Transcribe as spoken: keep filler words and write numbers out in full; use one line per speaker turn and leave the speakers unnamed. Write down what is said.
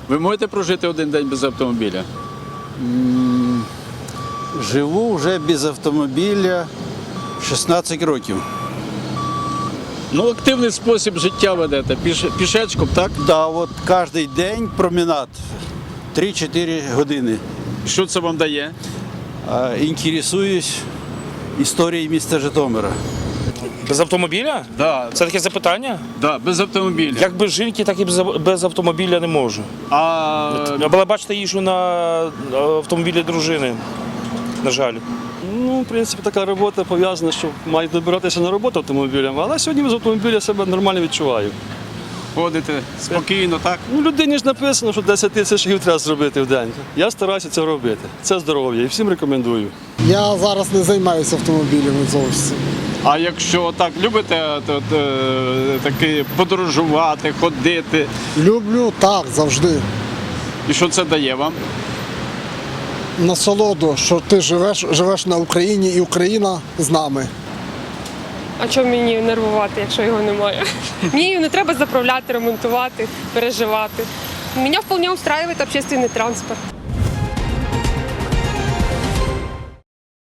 Ви можете прожити один день без автомобіля?
Живу вже без автомобіля шістнадцять років.
Ну, активний спосіб життя ведете, піш, пішечком, так?
Да, от кожен день променад три-чотири години.
Що це вам дає?
А, інтересуюсь історією міста Житомира.
Без автомобіля?
Да,
Це таке запитання?
да, без автомобіля.
Як без жінки, так і без, без автомобіля не можу.
А
Але бачите, їжджу на автомобілі дружини, на жаль.
Ну, в принципі, така робота пов'язана, що мають добиратися на роботу автомобілем, але сьогодні без автомобіля себе нормально відчуваю.
ходите спокійно, так?
Ну, людині ж написано, що десять тисяч шагів треба зробити в день. Я стараюся це робити. Це здоров'я і всім рекомендую.
Я зараз не займаюся автомобілями зовсім.
А якщо так любите то, то, таки подорожувати, ходити,
Люблю так завжди.
і що це дає вам?
Насолоду, що ти живеш, живеш на Україні і Україна з нами.
А чому мені нервувати, якщо його немає? Мені не треба заправляти, ремонтувати, переживати. Меня вполне устраивает общественный транспорт.